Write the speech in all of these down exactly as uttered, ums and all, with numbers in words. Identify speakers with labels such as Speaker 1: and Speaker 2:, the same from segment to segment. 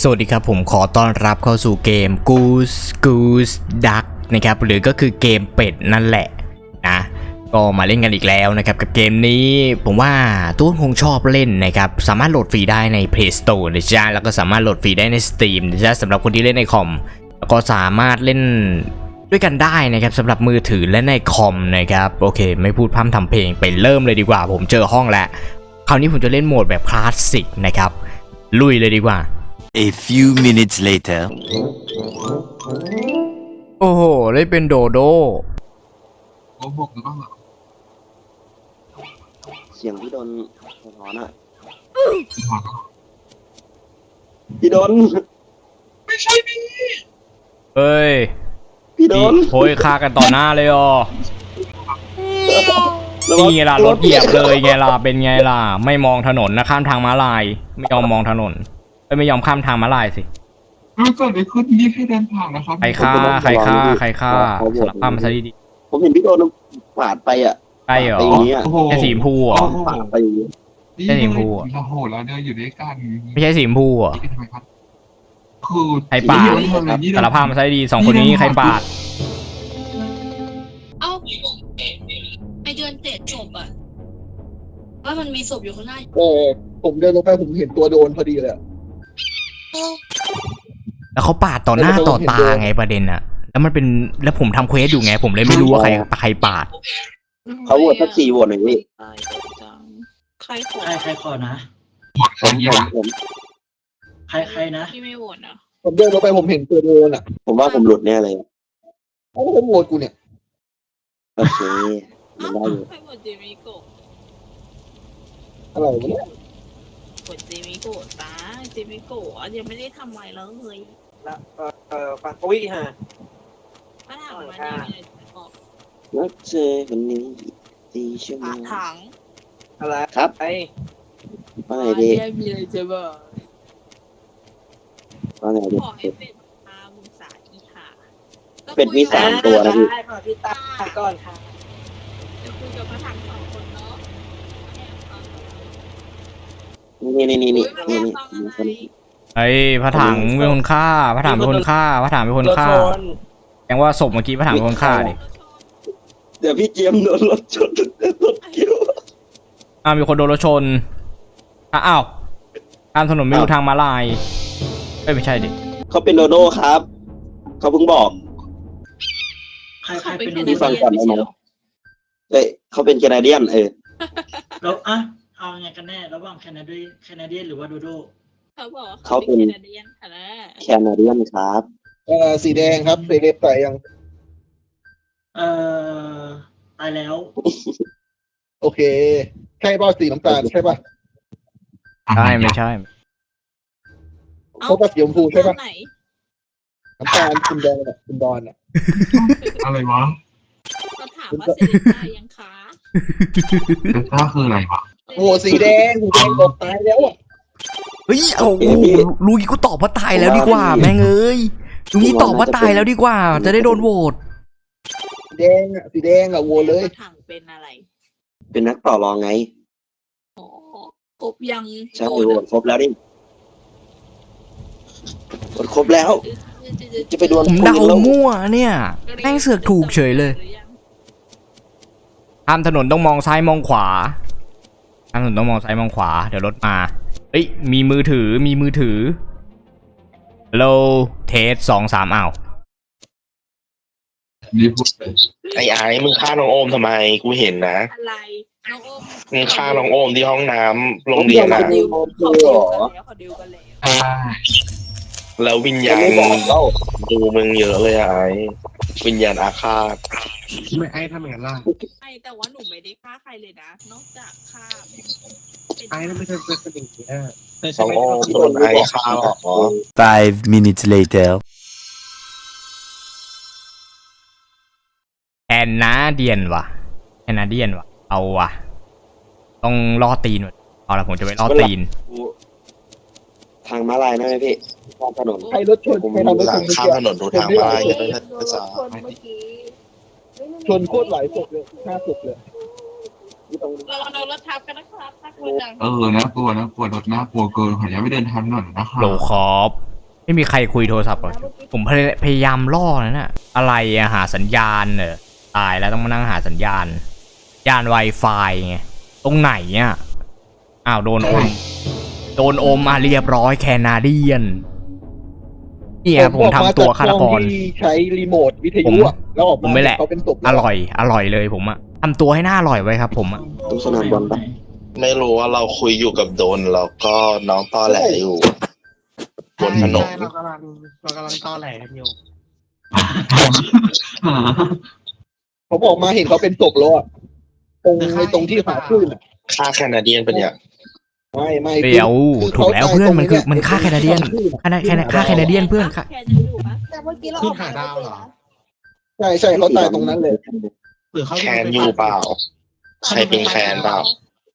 Speaker 1: สวัสดีครับผมขอต้อนรับเข้าสู่เกม Goose Goose Duck นะครับหรือก็คือเกมเป็ดนั่นแหละนะก็มาเล่นกันอีกแล้วนะครับกับเกมนี้ผมว่าทุกคนคงชอบเล่นนะครับสามารถโหลดฟรีได้ใน Play Store นะจ๊ะแล้วก็สามารถโหลดฟรีได้ใน Steam นะจ๊ะสำหรับคนที่เล่นในคอมแล้วก็สามารถเล่นด้วยกันได้นะครับสำหรับมือถือและในคอมนะครับโอเคไม่พูดพร่ำทำเพลงไปเริ่มเลยดีกว่าผมเจอห้องแล้วคราวนี้ผมจะเล่นโหมดแบบคลาสสิกนะครับลุยเลยดีกว่า
Speaker 2: A few minutes later
Speaker 1: โอ้โหได้เป็นโดโด
Speaker 3: โอ้โหหรือเปล่า
Speaker 4: เสียงพี่โดนสะท้อนอ่ะ
Speaker 3: พี่ถอน
Speaker 4: พี่โดน
Speaker 3: ไม่ใช่พี่
Speaker 1: เฮ้ย
Speaker 4: พี่โดน
Speaker 1: โอยฆ่ากันต่อหน้าเลยอ๋อนี่ไงล่ะรถเหยียบเลยไงล่ะเป็นไงล่ะไม่มองถนนนะข้ามทางม้าลายไม่ยอมมองถนนไม่ยอมข้ามทางม้าลายสิ
Speaker 3: รู้เกิดอะไรขึ้นนี่แค่เดินผ่านนะครับ
Speaker 1: ใครฆ่าใครฆ่าใครฆ่าสารภาพมาซะดี
Speaker 4: ๆผมเห็นพี่โดนปาดไปอ่ะ
Speaker 1: ใช่เหรอแค่สีชมพูอ่ะ
Speaker 4: ไปอย่างนี้
Speaker 1: แค่สีชมพูอ่ะ
Speaker 3: โอ้โหแล้วเนี่ยอยู่ด้วยกัน
Speaker 1: ไม่ใช่สีชมพูอ่ะ
Speaker 3: คือ
Speaker 1: ใครปาดสารภาพมาซะดีสองคนนี้ใครปาด
Speaker 5: เอ้าไอเดือนเจ็ดศพอะว่ามันมีศพอยู่ข้างหน้า
Speaker 6: เออผมเดินลงไปผมเห็นตัวโดนพอดีเลย
Speaker 1: แล้วเขาปาดต่อหน้าต่อตาไงประเด็นอะแล้วมันเป็นแล้วผมทำเควสอยู่ไงผมเลยไม่รู้ว่าใครใครปาด
Speaker 4: เขาโหวตสักสี่โหวตหน่อยพี่
Speaker 5: ใครขอ
Speaker 7: ใครใครขอนะ
Speaker 4: ผมผมผม
Speaker 7: ใครใครนะ
Speaker 5: พี่ไม่โหวตนะ
Speaker 6: ผมเดินลงไปผมเห็นตัวโดนอ่ะ
Speaker 4: ผมว่าผมหลุดแน่เลย
Speaker 6: เอ้าผมโหวตกูเนี่ย
Speaker 4: โอเคมันได้อยู่
Speaker 5: ใครโหวตเจมิโกะ
Speaker 6: อะไรวะเนี่ย
Speaker 5: โหวตเจมิโกะตาเจมิโกะยังไม่ได้ทำอะไรแล้วเลย
Speaker 7: แล้วเอ่อฟังอุ้ยฮะ
Speaker 5: ถ้าถามมาเนี่ยมีอะไรจะบอก
Speaker 4: รักเจอคนนี้ตีชั่วโมง
Speaker 5: ถัง
Speaker 7: อะไร
Speaker 4: ครับ
Speaker 7: ไอ้
Speaker 4: ว่าไงดี
Speaker 5: มีอะไรจะบอก
Speaker 4: ว่าไงดี
Speaker 5: ขอให้เป็นตามุสาอีหา
Speaker 4: เป็นวิสามตัวนะพี่
Speaker 7: ขอพี่ตาก่อนค่ะ
Speaker 5: จะคุยกับพระถังสองคนเนาะ
Speaker 4: นี่นี่นี่นี่นี่นี่
Speaker 1: ไอ้พระถังเป็นคนฆ่าพระถังเป็นคนฆ่าพระถังเป็นคนฆ่าแปลว่าศพเมื่อกี้พระถังเป็นคนฆ่าดิ
Speaker 4: เดี๋ยวพี่เจียมโดนรถชนรถเกี่ยว
Speaker 1: อ้าวมีคนโดนรถชนอ้าวข้ามถนนไม่ดูทางม้าลายไม่ใช่ดิ
Speaker 4: เขาเป็นโดโด้ครับเขาเพิ่งบอก
Speaker 7: ใครใครเป็นโด
Speaker 4: พี่
Speaker 7: โด้
Speaker 4: ฟังก่อนได้ไหมเอ้ยเขาเป็นแคนาเดียนเออ
Speaker 7: แล้วอ่ะเอาไงกันแน่ระหว่างแคนาเดียนแคนาเดียนหรือว่าโดโด้
Speaker 5: เขาบอก
Speaker 4: เขาเป็นแคนาเดียนครับ
Speaker 6: เอ่อสีแดงครับเซเลบตายยัง
Speaker 7: เอ่อตายแล้ว
Speaker 6: โอเคใช่ป่ะสีน้ำตาลใช่ป่ะ
Speaker 1: ใช่ไม่ใช่
Speaker 6: เขาก็สีชมพูใช่ป่ะน้ำตาลคุณแดงอ่ะคุณดอนอ่ะ
Speaker 3: อะไรวะ
Speaker 5: เขาถามว่าเสด็จตายยังคะ
Speaker 3: เดต้าคืออะไรวะ
Speaker 6: โอ้สีแดงสีแดงตกตายแล้วอ่ะ
Speaker 1: เฮ้ยโอ้ลุยกูตอบว่าตายแล้วดีกว่าแม่งเอ้ยลุยตอบว่าตายแล้วดีกว่าจะได้โดนโหวต
Speaker 6: สีแดงอ่ะสีแดงอ่ะโหวตเลย
Speaker 5: ถังเป็นอะไร
Speaker 4: เป็นนักต่อรองไง
Speaker 5: อ๋อครบยัง
Speaker 4: ใช่โหวตครบแล้วดิโหวตครบแล้วจะไปดวล
Speaker 1: ผมเดามั่วเนี่ยแม่งเสือกถูกเฉยเลยข้ามถนนต้องมองซ้ายมองขวาข้ามถนนต้องมองซ้ายมองขวาเดี๋ยวรถมาเอ้ยมีมือถือมีมือถือโลเทสสองสามอ้าว
Speaker 8: ไอ้ไอ้มึงฆ่าน้องโอมทำไมกูเห็นนะ
Speaker 5: อะไรน้องโอม
Speaker 8: มึงฆ่าน้องโอมที่ห้องน้ำโรงเรียนนะ
Speaker 5: เขาดิวกันแล้วเขาดิวกันแล้ว
Speaker 8: แล้ววิญญาณดูมึงเยอะเลยไอ้วิญญาณอาฆาต
Speaker 3: ไม่ไอ้ทำอย่างนั้นล่ะ
Speaker 5: ไอ้แต่ว่าหนูไม่ได้ฆ่าใครเลยนะนอกจากฆ่า
Speaker 3: ไอ้นั่นไม่ใช่เป็นสิ่งนี้
Speaker 8: น้องโอมโดนไอ้ฆ่าหรอ
Speaker 2: Five minutes later
Speaker 1: แอนนาเดียนวะแอนนาเดียนวะเอาวะต้องล่อตีนเอาละผมจะไปล่อตีน
Speaker 4: ทางม้าลายนะพี่ข้ามถนน
Speaker 6: ใครรถชนใครทำรถชน
Speaker 8: ข้ามถนนดูทางม้าลายจะได้ภาษา
Speaker 6: ชนโคตรหลายศพเลยห้าศพเลย
Speaker 5: เราเรารถทับกันนะครับน่ากลัวจัง
Speaker 3: เออนะกลัวนะกลัวรถน่ากลัวเกินขออนุญาตไม่เดินทางหน่อยนะครับ
Speaker 1: โหลคอปไม่มีใครคุยโทรศัพท์หรอกผมพยพยายามล่อนะน่ะอะไรอะหาสัญญาณเนอะตายแล้วต้องมานั่งหาสัญญาณยาน Wi-Fi ไงตรงไหนอ่ะอ้าวโดนอมโดนอมมาเรียบร้อยแคนาเดียนเนี่ยผมทำตัวฆาตกร
Speaker 6: ที่ใช้รีโมทวิทยุอะแล้วออก
Speaker 1: ผม
Speaker 6: มา
Speaker 1: ไม่แหละ
Speaker 6: เขาเป็นศพ
Speaker 1: อร่อยอร่อยเลยผมอะทำตัวให้หน้าอร่อยไว้ครับผมอะ
Speaker 4: ตรงสนามบอลปะ
Speaker 8: ไม่รู้ว่าเราคุยอยู่กับโดนแล้วก็น้องตอแหลอยู่บนถนน
Speaker 3: ใช่เรากำลังเรากำลังตอแหลกันอยู่
Speaker 6: ผมออกมาเห็นเขาเป็นศพแล้วอะตรงในตรงที่หาขึ้นอะ
Speaker 8: ค่าแคนาเดียนเป็นเนี่ย
Speaker 6: ไม่ไม่
Speaker 1: เดี๋ยว
Speaker 6: คือ
Speaker 1: ถูกแล้วเพื่อนมันคือมันค่าแคนาเดียน
Speaker 6: ขึ้อะ
Speaker 1: ค่าแคนาค่าแคนาเดียนเพื่อนค่ะ
Speaker 5: แค่จะอยู่ปะ
Speaker 9: แต่เมื่อกี้เรา
Speaker 3: ขึ้
Speaker 9: อน อก
Speaker 3: หาดาวเหรอ
Speaker 6: ใช่ใช่เขาตายตรงนั้นเลย
Speaker 3: หรือเขา
Speaker 8: แคนอยู่เปล่า ใครเป็นแคนเปล่า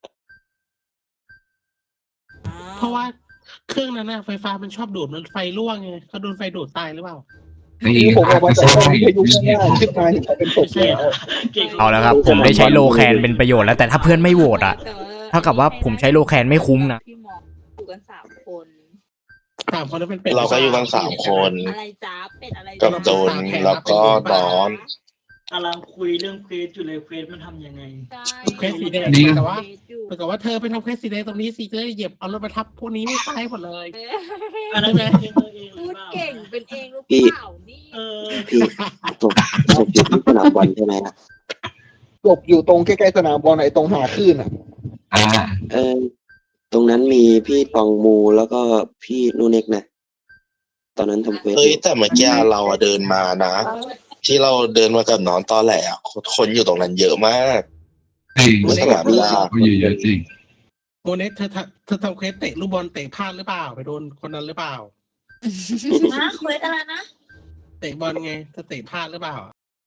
Speaker 3: เพราะว่าเครื่องนั้นน่ะไฟฟ้ามันชอบดูดมันไฟรั่วไงเขาโดนไฟดูดตายหรือเปล่า
Speaker 6: นี่ผมออกมาจากห้องวิทยุข้างหน้าขึ้นมาเห็นเขาเป็นศพแล้ว
Speaker 1: เอาแล้วครับ ผมได้ใช้โลแคนเป็นประโยชน์แล้วแต่ถ้าเพื่อนไม่โหวตอะเท่ากับว่าผมใช้โลแคนไม่คุ้มนะ
Speaker 9: พี่หมออยู่กันสามคน
Speaker 3: สามคนนั้นเป็นเป็ด
Speaker 8: เราก็อยู่กันสามคน
Speaker 9: อะไรจ้าเป็ดอะไร
Speaker 8: กับโดนแล้วก็นอน
Speaker 7: กำลังคุยเรื่องเควสอยู่เลยเควสมันทำยังไง
Speaker 3: เควสสีแดงแต่ว่าแต่กับว่าเธอไปทำเควสสีแดงตรงนี้สิเธอเหยียบเอารถมาทับพวกนี้ไม่ตายหมดเลย
Speaker 7: อันนั้นเป็นเองเองหรื
Speaker 9: พู
Speaker 7: อ
Speaker 9: ด
Speaker 7: เปล่า
Speaker 9: เก่งเป็นเองหรือเปล่านี่
Speaker 7: เออ
Speaker 4: พี่ศพศพอยู่ที่สนามบอลใช่ไหมอะ
Speaker 6: ศพอยู่ตรงใกล้ๆสนามบอลไอ้ตรงหาขึ้นอ่ะ
Speaker 4: เออ ตรงนั้นมีพี่ตองมูแล้วก็พี่นูเน็กนะ ตอนนั้นทำเควส
Speaker 8: เฮ้ยแต่เมื่อกี้เราอะเดินมานะ ที่เราเดินมากับน้องตอแหลอะคนอยู่ตรงนั้นเยอะมาก ไม่สนามหญ้า
Speaker 10: เยอะๆจริง
Speaker 3: โมเนสเธอทำเธอทำเควสเตะลูกบอลเตะพลาดหรือเปล่าไปโดนคนนั้นหรือเปล่า
Speaker 9: นะเควสอะไรนะ
Speaker 3: เตะบอลไงเธอเตะพลาดหรือเปล่า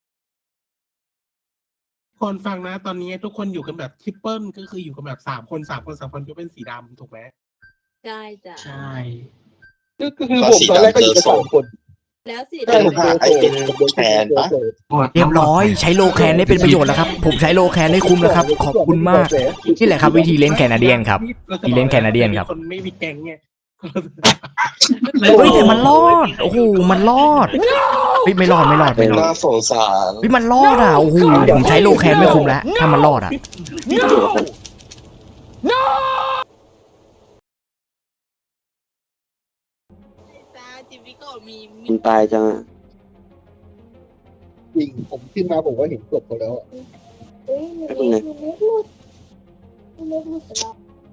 Speaker 3: คนฟังนะ ตอนนี้ทุกคนอยู่กันแบบทริปเปิลก็คืออยู่กันแบบสามคนสามคนสามคนก็เป็นสีดำถูกไหม
Speaker 9: ใช่จ้ะ
Speaker 7: ใช่
Speaker 6: ก็คือผมตอนแรกก็อยู่กันสามคน
Speaker 9: แล้วสิ
Speaker 6: ใช่ผมเจอ
Speaker 8: ไอ้เป็นแคนปะ
Speaker 1: เรียบร้อยใช้โลแคนได้เป็นประโยชน์แล้วครับผมใช้โลแคนได้คุ้มแล้วครับขอบคุณมากนี่แหละครับวิธีเล่นแคนาเดียนครับ ที่เล่นแคนาเดียนครับ
Speaker 3: คนไม่มีแก๊งไง
Speaker 1: เฮ้ยแต่มันรอดโอ้โหมันรอดเฮ้ยไม่รอดไม่รอดไม่รอด
Speaker 8: น่าสงสาร
Speaker 1: เฮ้ยมันรอดอ่ะโอ้โหผมใช้โลแคนไม่คุ้มแล้วถ้ามันรอดอ่ะ
Speaker 9: จ้าจิมมี่ก็มีมี
Speaker 4: มันตายจังอะ
Speaker 6: จริงผมขึ้นมาผมก็เห็นศพเขาแล้วอะ
Speaker 9: เฮ้ยมีเล็กมีเล็กหลุดมีเล็กหลุดไปแล้ว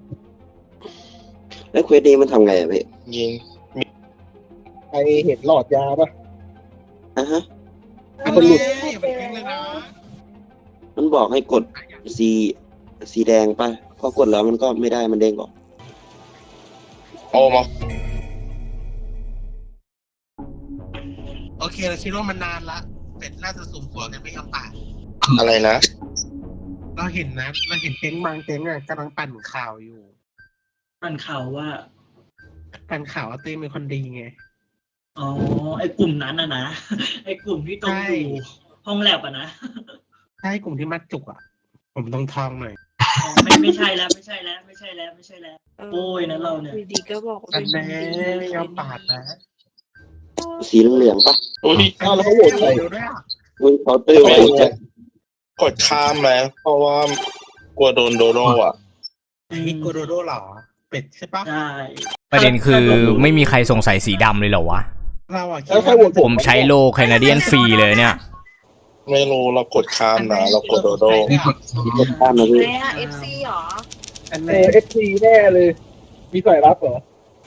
Speaker 4: แล้วเควสนี้มันทำไงอะพี่
Speaker 8: ยิง
Speaker 6: ใครเห็นหลอดยาปะ
Speaker 4: อ่ะฮะ
Speaker 6: คนหลุด
Speaker 3: อย่าไปแก๊งเลยนะ
Speaker 4: มันบอกให้กดสีสีแดงป่ะ พอกดแล้วมันก็ไม่ได้มันเด้งออก
Speaker 8: โอ้มา
Speaker 3: โอเคเราคิดว่ามันนานละเป็ดน่าจะสุ่มหัวกันไม่ยอมป่า
Speaker 8: อะไรนะ
Speaker 3: เราเห็นนะเราเห็นเต็งบางเต็งอ่ะกำลังปั่นข่าวอยู่
Speaker 7: มันข่าวว่า
Speaker 3: ปั่นข่าวว่าเต้เป็นคนดีไง
Speaker 7: อ๋อ ไอ้กลุ่มนั้นนะนะ ไอ้กลุ่มที่ตรงอยู่ห้องแลบอะนะ
Speaker 3: ใช่กลุ่มที่มัดจุกอ่ะ ผมต้องทองหน่อย
Speaker 7: อ๋อไม่ไม่ใช่แล้วไม่ใช่แล้วไม่ใช่แล้วไม่ใช่แล้ว โอ้ยนะเราเนี่ย
Speaker 9: อยู่ดีก็บอกว่า
Speaker 3: อั
Speaker 9: เป็น น
Speaker 3: แน่
Speaker 9: คนดี
Speaker 3: ไม่ยอมปาดนะ
Speaker 4: สีเหลืองๆป่ะ
Speaker 8: อุ้ย
Speaker 6: อ้าวแล้วเขาโหวตใคร
Speaker 3: เดี๋ยวด้วยอ่ะ
Speaker 4: อุ้ยเขาเตอร์ไว้จะ
Speaker 8: กดข้ามไหมเพราะว่ากลัวโดนโดโดอ่ะ
Speaker 3: ไอ้โกโดโดเหรอ เป็ดใช่ปะ
Speaker 7: ใช่
Speaker 1: ประเด็นคือไม่มีใครสงสัยสีดำเลยเหรอวะ
Speaker 3: เราอ่ะคิด
Speaker 6: แล้วใคร
Speaker 3: ว่า
Speaker 6: โหวต
Speaker 1: ผมใช้โลแคนาเดียนฟรีเลยเนี่ย
Speaker 8: ไม่รู้เรากดข้ามนะเรากดโดโด
Speaker 4: กดข้ามนะพี่
Speaker 9: แม่เอฟซีหรอ
Speaker 3: อัน
Speaker 6: เอ
Speaker 3: นี้
Speaker 6: เอฟซีแน่เลย มีสายลับเหรอ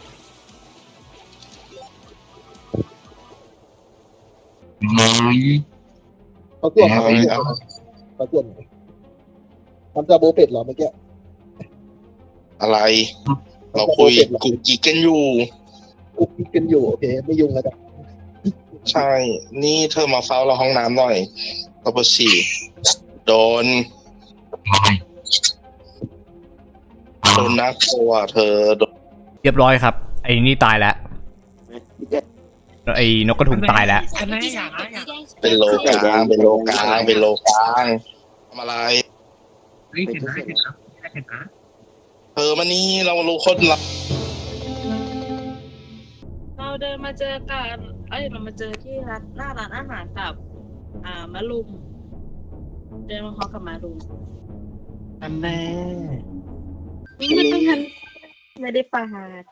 Speaker 10: ไม่
Speaker 6: เขาตรวจ
Speaker 8: เอา
Speaker 6: เขา
Speaker 8: ไว้
Speaker 6: ตรวจ
Speaker 8: เอา
Speaker 6: เขาตรวจทำจาโบเป็ดเหรอเมื่อกี้
Speaker 8: อะไร เราคุยกุ๊กกิ๊กกันอยู่
Speaker 6: กุ๊กกิ๊กกันอยู่โอเคไม่ยุ่งแล้วจ้ะ
Speaker 8: ใช่ นี่เธอมาเฝ้าเราห้องน้ำหน่อยเราไปฉี่โดน โดนนักโทอ่ะเธอโดน
Speaker 1: เรียบร้อยครับไอ้นี่ตายแล้วไอ้นกกระทุงตายแล้ว
Speaker 3: อันนี้อย่างนะอย่าง
Speaker 8: เป็นโลกลางเป็นโลกลางเป็นโลกลางทำอะไร
Speaker 3: เฮ้ยเห็นนะเห็นนะเห็นนะ
Speaker 8: เธอมานี่เรารู้คนละ
Speaker 5: เราเดินมาเจอกันเอ้ยเรามาเจอที่ร้านหน้าร้านอาหารกับ อ่ามารุมเดินมาพร้อมกับมารุม
Speaker 3: อันแน่
Speaker 5: ไม่ต้องทันไม่ได้ปาหาด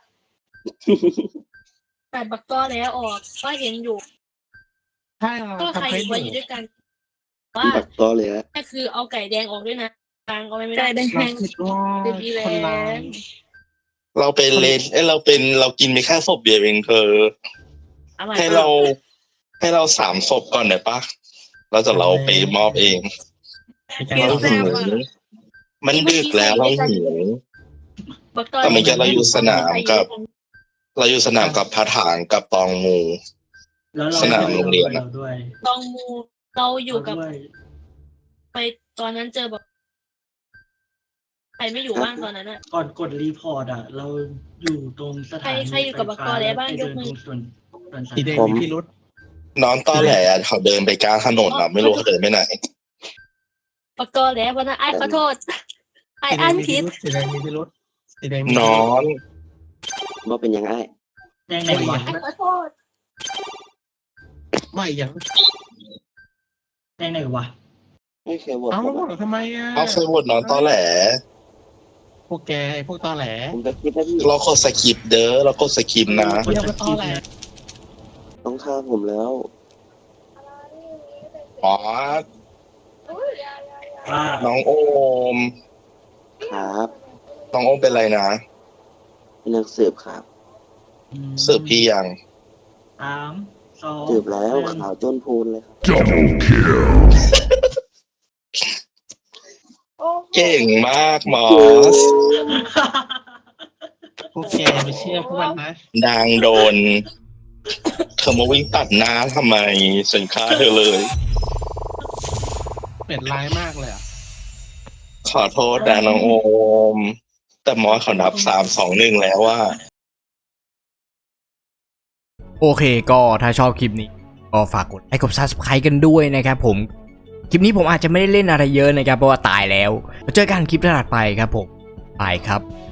Speaker 5: แต่บักก็แล้วออกก็เห็นอยู่
Speaker 3: ใช่เรา
Speaker 5: ก็ใคร
Speaker 3: ทำเฟ
Speaker 5: อี
Speaker 3: ซ
Speaker 5: กว่าอ
Speaker 3: อยู่
Speaker 5: ยู่ด้วยกัน ว่า
Speaker 4: ปักก็เลยฮะ
Speaker 5: ก็คือเอาไก่แดงออกด้วยนะกลางเอาไว้ไม่ได้
Speaker 3: เราคิดว่า
Speaker 5: จะดีแล้
Speaker 3: คนร้า
Speaker 5: วย
Speaker 8: เราเป็นเลนเอ้ยเราเป็นเรากินไปแค่ศพเดียวเองเธอ
Speaker 5: อร่อย
Speaker 8: ให้
Speaker 5: มาก
Speaker 8: เราให้เราสามศพก่อนได้ปะเราจะเราไปมอบเอง
Speaker 3: มีการ
Speaker 8: เรา
Speaker 3: เอา
Speaker 8: หิวมันดึกแล้วเราหิว
Speaker 5: บักก็
Speaker 8: แต่เมื่อกี้เราอยู่สนามกับ เราอยู่สนามกับพาถางกับตองมู
Speaker 7: แล้วเรา
Speaker 8: สนามโรงเรียนอะ
Speaker 7: ด้วย
Speaker 5: ตองมูเราอยู่กับ
Speaker 7: เราด้วย
Speaker 5: ไปตอนนั้นเจอแบบใครไม่อยู่บ้างตอนนั้นอะ
Speaker 7: ก่อนกดรีพอร์ตอ่ะ เราอยู่ตรงสถานี
Speaker 5: ใครใครอยู่กับบักกอแล้วบ้าง
Speaker 7: ไป
Speaker 5: ย
Speaker 7: เดิ
Speaker 5: ก
Speaker 7: น
Speaker 5: มือ
Speaker 7: ตรงส่วนส่วนสา
Speaker 3: สีแดง
Speaker 7: ธาร
Speaker 3: มี
Speaker 7: ณะ
Speaker 3: พิรุษ
Speaker 8: น้องต้อแหลอะเขาเดินไปกลางถนนอะไม่รู้เขาเดินไปไหน
Speaker 5: บักก็แล้ววันนั้นไอ้ายขอโทษไอ้ายอ่านผิด
Speaker 3: สีแดงมีพิรุษสีแดงมี
Speaker 8: น้อง
Speaker 4: ว่าเป็นยังไง
Speaker 7: แดงไหนวะ
Speaker 5: ไอ้ายขอโทษ
Speaker 3: ไม่ยัง
Speaker 7: แดงไหนวะ
Speaker 4: ไม่เคยบอก
Speaker 3: เอ้า
Speaker 4: ผมอะ
Speaker 3: ทำไมอ่ะ
Speaker 8: เอาเคยโหวตน้องต้อแหล
Speaker 3: พวกแกไอ้พวกตอแหล
Speaker 4: ผมจะคิดว่าพี่
Speaker 8: เรากดสกิปเด้อเรากดสกิปนะ
Speaker 3: เดี๋ยวไปตอแหล
Speaker 4: ต้องฆ่าผมแล้ว
Speaker 8: อ๋อ
Speaker 7: ว่า
Speaker 8: น้องโอม
Speaker 4: ครับ
Speaker 8: น้องโอมเป็นไรนะ
Speaker 4: เป็นนักสืบครับ
Speaker 8: สืบพี่ยัง
Speaker 7: สามสอง
Speaker 4: สืบแล้ว
Speaker 7: หนึ่ง
Speaker 4: ขาวจนพูนเลยครับ
Speaker 10: Double kill.
Speaker 8: เก่งมากมอส
Speaker 3: พวกแกไปเชื่อพวกมันนะ
Speaker 8: นางโดน เธอมาวิ่งตัดหน้าทำไมฉันฆ่าเธอเลย
Speaker 3: เป็นร้ายมากเลยอ่ะ
Speaker 8: ขอโทษนะน้องโอม แต่มอสเขานับสามสองหนึ่งแล้วว่า
Speaker 1: โอเคก็ถ้าชอบคลิปนี้ก็ฝากกดไลค์กด ซับสไครบ์ กันด้วยนะครับผมคลิปนี้ผมอาจจะไม่ได้เล่นอะไรเยอะนะครับเพราะว่าตายแล้วมาเจอกันคลิปถัดไปครับผมบายครับ